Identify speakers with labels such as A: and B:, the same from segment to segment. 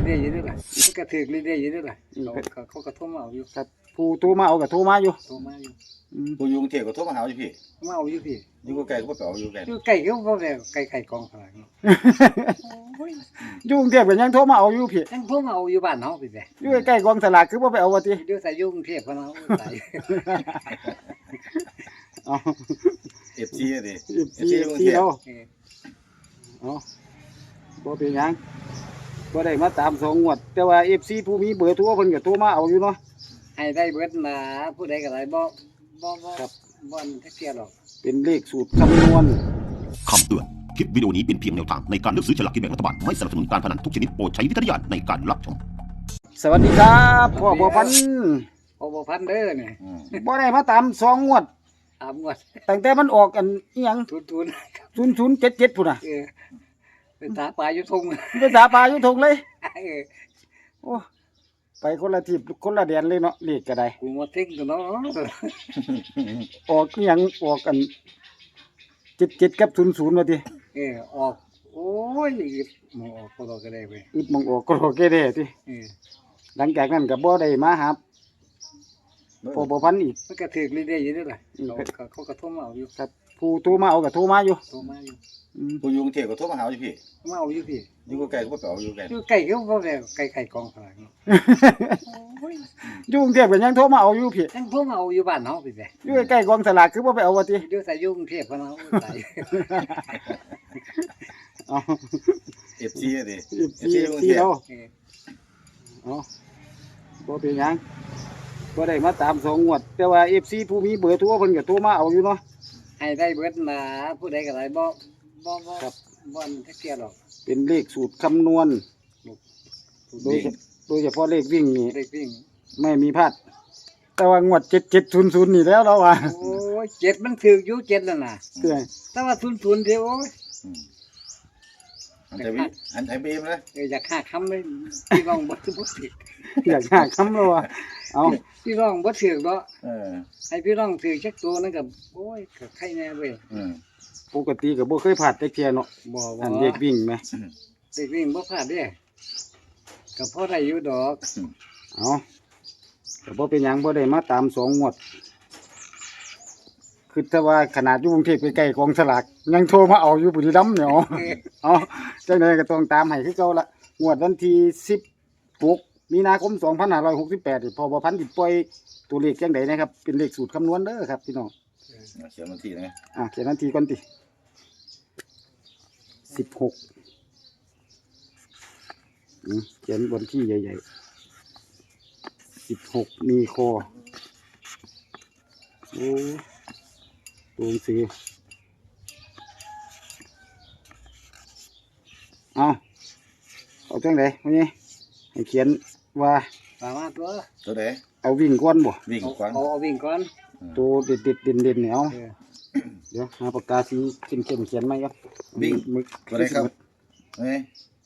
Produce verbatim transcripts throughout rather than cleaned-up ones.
A: เรื่อยๆอยู่ด้วยล่ะมันก็ถือเรื่อยๆอยู่ด้วยล่ะเขาเขาก็โทรมาเอาอยู่
B: ครับผู้โทรมาเอาก็โทรมาอยู่
A: โทรมาอยู่
C: ผู้อยู่กรุงเทพก็โทรมาหาอยู่พี่
A: มาเอาอยู่พี่
C: อยู่ใกล้ก็บ่เอาอยู่ใกล้
A: อยู่ไก่ก็บ่ได้ไก่ไก่กองขนาดนี้
B: อยู่กรุงเทพก็ยังโทรมาเอาอยู่พี่
A: ยังโทรมาเอาอยู่บ้านเฮาพี่แหละ
B: อยู่ใกล้กองสลากคือบ่ไปเอาว่าติ
A: อยู่ใส่อยู่กรุงเทพพะเนาะใส่
B: อ๋อ
C: เอฟ ซี อ่ะดิ
B: เอฟ ซี เอฟ ซีเนาะอ๋อบ่เป็นหยังบ่ได้มาตามสองงวดแต่ว่า เอฟ ซี ผู้มีเบอร์โทรเพิ่นก็โทรมาเอาอยู่เนาะ
A: ให้ได้เบิดนะผู้ใดก็ได้บ่บ่บ่ครับบ่อนจักเที่ยหรอก
B: เป็นเลขสูตรคำนวณ
D: คำเตือนคลิปวิดีโอนี้เป็นเพียงแนวทางในการเลือกซื้อฉลากกินแบ่งรัฐบาลไม่สนับสนุนการพนันทุกชนิดโปรดใช้วิจารณญาณในการรับชม
B: สวัสดีครับพ่อบัวพันธุ์
A: พ่อบัวพันธุ์เด้อนี่
B: บ่ได้มาตามสองงวด
A: ตามงวด
B: ตั้งแต่มันออกอันอีหยัง
A: ทุน
B: ศูนย์ ศูนย์ เจ็ด เจ็ดพุ่นน่ะ
A: เออเป็นตาปลาอยู่ทง
B: เป็นตาปลาอยู่ทงเลย
A: เออ
B: โอ้ไปคนละทิศคนละแดนเลยเนาะเลขก็ได้
A: กูมาทิ้งตัวเนาะ
B: ออกอีหยังออกกันเจ็ด เจ็ดกับศูนย์ ศูนย์ว่าติ
A: เออออกโอ้ยมองออกก็ก็ได้เว้ย
B: อึดมองออกก็ก็ได้ติเออหลังจากนั้นก็บ่ได้มาหาพ่อบัวพันธุ์อีก
A: มันก็ถือเรื่อยๆอยู่ด้วยล่ะเขาเขาก็โทรมาเอาอยู่
B: ครับผู้โทรมาเอาก็โทรมาอยู่
A: โทรมาอยู่
C: ผู้อยู่กรุงเทพก็โทรมาหาอยู่พี่
A: มาเอาอยู่พี่
C: อยู่ใกล้ก็บ่เอาอยู่ใกล้
A: อยู่ไก่ก็บ่ได้ไก่ไก่กองขนาดนี้
B: อยู่กรุงเทพก็ยังโทรมาเอาอยู่พี่
A: ยังโทรมาเอาอยู่บ้านเฮาพี่แหละ
B: อยู่ใกล้กองสลากคือบ่ไปเอาว่าติ
A: อยู่ใส่อยู่กรุงเทพพะเนาะใส่
C: อ๋อ เอฟ ซี อ่ะดิ
B: เอฟ ซี เอฟ ซี เนาะอ๋อบ่เป็นหยังบ่ได้มาตามสองงวดแต่ว่า เอฟ ซี ผู้มีเบอร์โทรเพิ่นก็โทรมาเอาอยู่เนาะ
A: ให้ได้เบิดนะผู้ใดก็ได้บ่บ่บ่ครับบ่อนจักเที่ยหรอก
B: เป็นเลขสูตรคำนวณโดยโดยเฉพาะเลขวิ่งนี่
A: เลขวิ่ง
B: ไม่มีพลาดแต่ว่างวดเจ็ด เจ็ด ศูนย์ ศูนย์นี่แล้วเราว่า
A: โอ้ยเจ็ดมันถูกอยู่เจ็ดแล้วน่ะ
B: เด้อ
A: แต่ว่าศูนย์ ศูนย์เด้อโอ้ย
C: อันไทยอันไทยบีมนะ
A: เอออยากหาคำเลยพี่น้องบ่ถูกบ่ถูก
B: อยากหาคำแล้วว่าเอา
A: พี่น้องบ่ถูกเนาะเออให้พี่น้องถูกจักตัวนั่นก็โอ้ยก็ใครแน่เว้ย
C: อือ
B: ปกติก็บ่เคยพลาดจักเที่ยเนาะ
A: บ่บ่
B: อันเลขวิ่งแหม
A: เลขวิ่งบ่พลาดเด้ก็พอได้อยู่ดอก
B: เอาก็บ่เป็นหยังบ่ได้มาตามสองงวดคือแต่ว่าขนาดอยู่กรุงเทพใกล้ๆกองสลากยังโทรมาเอาอยู่บุรีรัมย์เนี่ยอ๋อเอาจังได๋ก็ต้องตามให้คือเก่าละงวดวันที่สิบหกมีนาคมสองพันห้าร้อยหกสิบแปดนี่พ่อบัวพันธุ์สิปล่อยตัวเลขจังได๋นะครับเป็นเลขสูตรคำนวณเด้อครับพี่น้อง
C: เขียนวันที่นะ
B: อ่ะเขียนวันที่ก่อนติสิบหกอืมเขียนวันที่ใหญ่ๆสิบหกมีคอโอ้ตัวสีเอาเอาจังไดวันนี้ให้เขียนว่า
A: สามารถตัว
C: ตัวไหน
B: เอาวิ่งก่อนบ่
C: วิ่งก่อน
A: เอาเอาวิ่งก่อน
B: ตัวเด็ดเด็ดเด่นเด่นเนี่ยเอาเดี๋ยวหาปากกาสีเข้มเข้มเขียนไหมครับ
C: วิ่งตัวไหนครับเอ้ย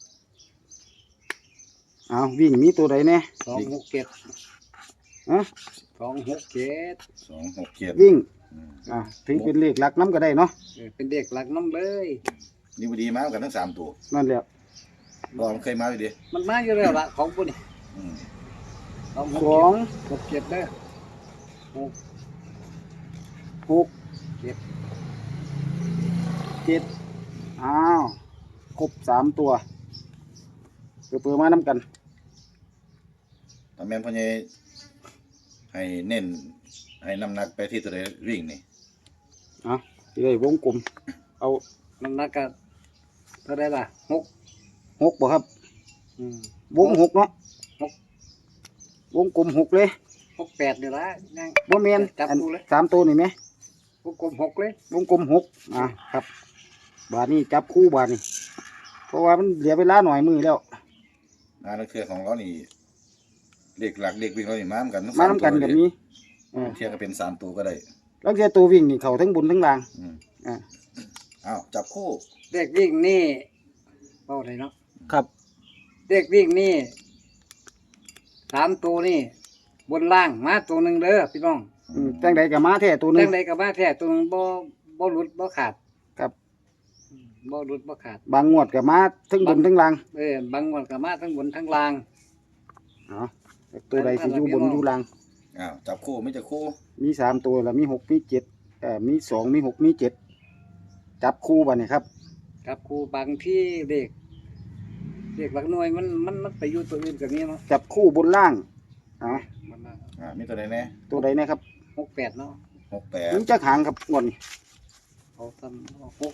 B: เอาวิ่งมีตัวใดเนี่ย
A: สองหกเจ็ด
B: ฮะ
A: สองหกเจ็ด
C: สองหกเจ็ด
B: วิ่งอ่าถือเป็นเลขหลักน้ำก็ได้เนาะ
A: เป็นเด็กหลักน้ำเลย
C: นี่พอดีมากันทั้งสามตัว
B: นั่นแหละ
C: ก็มันเคยมาอยู่ดิ
A: มันมาอยู่แล้วละของปุ่น
B: สอง
A: หกเจ็ดเด้อหก
B: หกเจ็ดเจ็ดอ้าวครบสามตัวเปิดเปิดมาน้ำกัน
C: ทำแม่พ่อใหญ่ให้เน้นให้น้ำหนักไปที่ตัวใดวิ่งนี่
B: อ่ะที่ได้วงกลมเอา
A: น้ำหนักกันเท่าไรล่ะหก
B: หกบ่ครับวงหกเนาะหกวงกลมหกเลย
A: หกแปดเดี๋ยวละ
B: ยังบ่แม่นจับตัวเลยสามตัวนี่ไหม
A: วงกลมหกเลยว
B: งกลมหกอ่ะครับบาทนี้จับคู่บาทนี้เพราะว่ามันเหลือเวลาหน่อยมือแล้ว
C: งานเครือของเรานี่เด็กหลักเด็กวิ่งเรานี่มาเหมือนกัน
B: มาเหมือนกันแบบนี้
C: เทียบก็เป็นสามตัวก็ได้
B: แล้วแค่ตัววิ่งนี่เขาทั้งบนทั้งล่าง
C: อ่าอ้าวจับคู่
A: เด็กวิ่งนี่เป้าไรเนาะ
B: ครับ
A: เด็กวิ่งนี่สามตัวนี่บนล่างมาตัวหนึ่งเด้อพี่น้อง
B: จังใดกับมาแท้ตัวหนึ่ง
A: จังใดกับมาแท้ตัวหนึ่งบ่บ่หลุดบ่ขาด
B: ครับ
A: บ่หลุดบ่ขาด
B: บางงวดก็มาทั้งบนทั้งล่าง
A: เออบางวันก็มาทั้งบนทั้งล่าง
B: เนาะตัวใดสิอยู่บนอยู่ล่าง
C: อ้าวจับคู่ไม่จะคู่
B: มีสามตัวแล้วมีหกมีเจ็ดเอ่อมีสองมีหกมีเจ็ดจับคู่บัดนี้ครับ
A: ครับครูบางที่เด็กเด็กหลักหน่วยมันมันมันไปอยู่ตัวอื่นก็มีเนาะ
B: จับคู่บนล่างเนาะ
A: มันน่ะ
C: อ่ามีตัวใดแน่
B: ตัวใดนะครับ
A: หกแปดเนาะ
C: หกแปด
B: มีจักหางครับงวดนี้
A: เขาทำเอาหก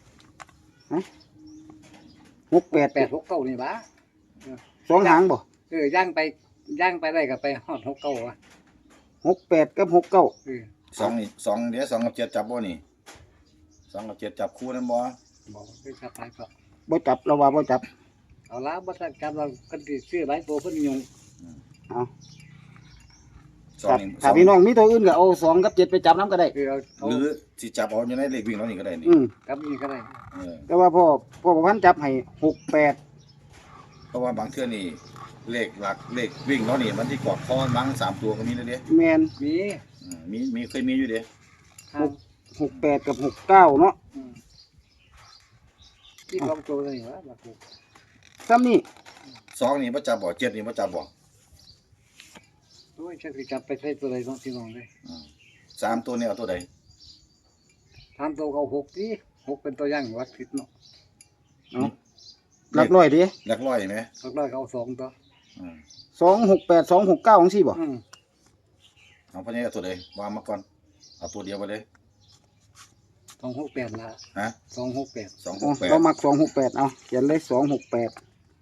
B: หกแปด
A: แปดหกเก้านี่บ้า
B: สองหางบ่
A: เออย่างไปย่างไปได้ก็ไปฮอดหกเก้าอ่ะ
B: หกแปดกับหกเก้า
A: เออ
C: สองนี่สองเดี๋ยวสองกับเจ็ดจับบ่นี่สองกับเจ็ดจับคู่นั่นบ่
A: บอกคือจับไปก็
B: บ่จับเราว่าบ่จับ
A: เอาละบ่ทันจับเราคนที่ซื้อหลายตัวเพิ่นยุง
B: เอา
C: สองนี่ส
B: ถ้า
C: อง
B: พี่น้องมีตัวอื่นก็เอาสองกับเจ็ดไปจับน้ำก็ได้
A: คือเอาเอา
C: หรือสิจับเอาอยู่ในเลขวิ่งแล้วนี่ก็ได้นี่
B: อืม
A: กับนี่ก็ได้
C: เออ
B: แต่ว่าพ่อพ่อประพันธ์จับให้หกแปด
C: เพราะว่าบางเทื่อนี่เลขหลักเลขวิ่งแล้วนี่มันที่กอดคอมั้งสามตัวก็มีแล้วเด้
B: แมน
A: มี
C: อืมมีมีเคยมีอยู่เด้
A: ทาง
B: หกแปดกับหกเก้าเนาะ
A: อืมที่ลองตัวเลยว่าบักกู
B: ซ้ำนี่
C: สองนี่บ่จับบ่เจ็ดนี่บ่จับบ่
A: โอ้ยฉันสิจับไปใส่ตัวใดเนาะพี่น้องเลย
C: อืมสามตัวนี่เอาตัวใด
A: ทำตัวก็เอาหกดิหกเป็นตัวอย่างวัดผิดเนาะ
B: เอาหลักร้อยดิ
C: หลักร้อยไหม
A: หลักร้อยก็เอาสองตัว
C: อืม
B: สองหกแปดสองหกเก้าของสี่บ่
A: อืม
C: เอาพะเนี่ยเอาตัวใดวางมาก่อนเอาตัวเดียวไปเลย
A: สองหกแปดละ
C: ฮะ
A: สองหกแปด
C: สองห
B: อ๋อก
C: แปด
B: เรามักสองหกแปดเอาเขียนเลยสองหกแปด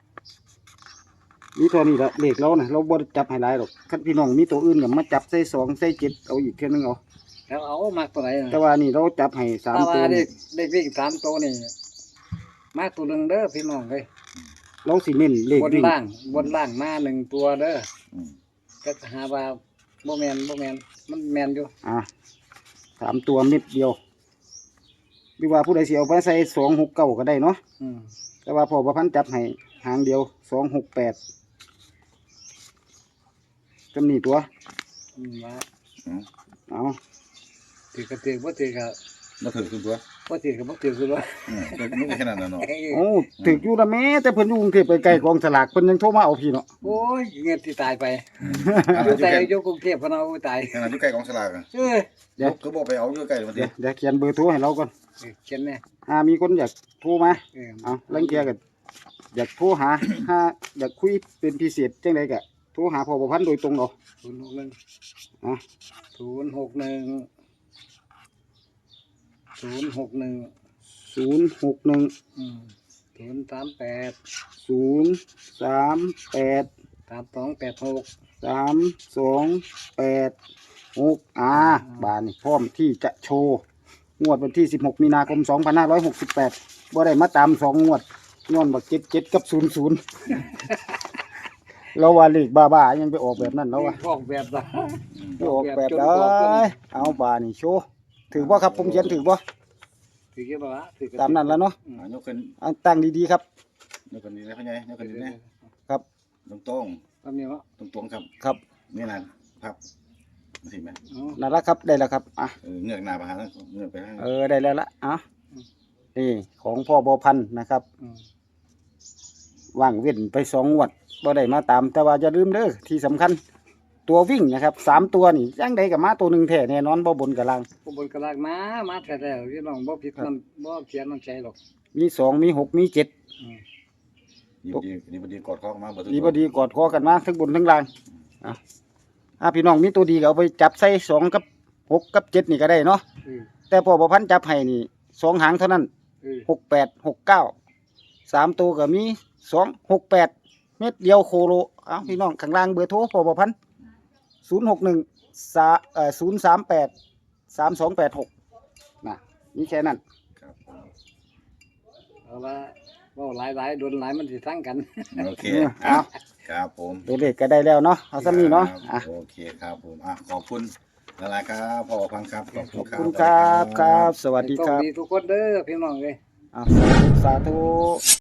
B: มีตัวนี้ละเลขเรานะเราบ่ได้จับให้หลายหรอกคันพี่น้องมีตัวอื่นก็มาจับใส่สองใส่เจ็ดเอาอีกเท่านึงเอา
A: แล้วเอามาตัวไหน
B: แต่ว่านี่เราจับให้สาม
A: ถ้า
B: ตัว
A: ว่าเด็
B: นี่
A: กเด็กวิ่งสามตัวนี่มาตัวหนึ่งเด้อพี่น้องเลย
B: เราสิเน้นเลข
A: บน
B: วิ่ง
A: ล่างบนล่างมาหนึ่งตัวเด้อ
C: อืม
A: ก็หาว่าบ่แมนบ่แมนมันแมนอยู่
B: อ่ะสามตัวเม็ดเดียวหรือว่าผู้ใดสิเอาไปใส่สองหกเก้าก็ได้เนาะ
A: อืม
B: แต่ว่าพอประพันธ์จับให้หางเดียวสองหกแปดจำนี่ตัว
A: อืมว่า
C: อืม
B: เอา
A: ถือกระถือบ่ถือก็
C: มาถือขึ้นตัว
A: บ่ถือก็บ่ถือคือว่า
C: อืมมันก็แค่นั้นน่ะเนาะ
B: โอ้ถึกอยู่ละแม่แต่เพิ่นอยู่กรุงเทพไปไกลกองสลากเพิ่นยังโทรมาเอาพี่เนาะ
A: โอ้ยเงินที่ตายไป
C: อ่า
A: อ
C: อยู่ ยู่
A: แต่
C: ใกล้
A: อยู่กรุงเทพพะเนาะตาย
C: ขนาดอยู่ใกล้กองสลากอะ
A: เออ
B: เดี๋ยว
C: ก็บอกไปเอาอยู่ใกล้มัน
B: เดี๋
C: ดิ
B: ยวเดี๋ยวเขียนเบอร์โทรให้เราก่อน
A: เออเขียนแน่
B: อ่ามีคนอยากโทรมา
A: เออ
B: เอาลังเกียก็อยากโทรหา ถ้าอยากคุยเป็นพิเศษจังไดก็โทรหาพ่อประพันธ์โดยตรงเอา
A: ศูนย์หกหนึ่ง
B: อ่ะ
A: ศูนย์หกหนึ่งศูนย์หกหนึ่ง
B: ศูนย์หกหนึ่ง
A: อืมศูนย์สามแปด
B: ศูนย์สามแปด
A: สามสองแปดหก
B: สามสองแปดหกอ่าบานนี่พร้อมที่จะโชว์งวดวันที่สิบหกมีนาคมสองพันห้าร้อยหกสิบแปดบ่ได้มาตามสองงวดย้อนบักเจ็ดเจ็ดกับศูนย์ศูนย์ เราว่าเลขบ้าๆยังไปออกแบบนั้นแล้ววะ
A: ออกแบบละ
B: ไปออกแบบได้เอาบานี่โชว์ถือบ่ครับผมเขียนถือบ่
A: ถือกี่บาทถือ
B: ตามนั้นแล้วเนาะ
C: อ่ายกขึ้น
B: เอาตั้งดีๆครับ
C: ยกขึ้นนี่นะพ่อใหญ่ยกขึ้นนี่นะครับ ตรง
A: ตามนี้วะ
C: ๆตรงๆครับ
B: ครับ
C: นี่นะพับมาสิแม่
A: อ๋อ
B: นั่นละครับได้แล้วครับอ่ะ
C: เออเงือกหน้าไปหาแล้วเงือกไปทาง
B: เออได้แล้วละอ่ะนี่ของพ่อบอพันธุ์นะครับ
A: อืม
B: ว่างเว้นไปสองงวดบ่ได้มาตาม แต่ว่าอย่าลืมเด้อที่สำคัญ ตัววิ่งนะครับสามตัวนี่ยังใดกับมาตัวหนึ่งแท้แน่นอนบ่บนกับล่าง
A: ผู้บนกระลากมามาแต่แล้วพี่น้องบ่ผิดมันบ่เขียนมันใจหรอก
B: มีสองมีหกมีเจ็ด
A: อืม
C: ดีบดีดีบดีกอดคอมาเบิดทุก
B: ดี
C: ตัว
B: บ่ดีกอดคอกันมาทั้งบนทั้งล่างอ่ะอ่ะพี่น้องมีตัวดีก็เอาไปจับใส่สองกับหกกับเจ็ดนี่ก็ได้เนาะ
A: เออ
B: แต่พ่อบอพันธุ์จับให้นี่สองหางเท่านั้น
A: เออ
B: หกแปดหกเก้าสามตัวก็มีสองหกแปดเม็ดเดียวโคโลเอาพี่น้องข้างล่างเบอร์โทรพอบพันศูนย์หกหนึ่งสาเอ่อศูนย์สามแปดสามสองแปดหกนะนี่แค่นั้น
C: ครับผม
A: เอาละเว้าหลายๆโดนหลายมันสิทั้งกัน
C: โอเค
B: เออเอา
C: ครับผม
B: ตัวเลขก็ได้แล้วเนาะเอาซ้ำนี้เนาะอ่ะ
C: โอเคครับผมอ่ะขอบคุณละลายครับพ่อพังครับขอบคุณ
B: ข
C: ค
B: อบ
C: รับ
B: คุณครับครับ สวัสดี
A: โช
B: ครับ
A: ดีทุกคนเด้อพี่น้องเอ้ย
B: อ่ะสาธุสาธุ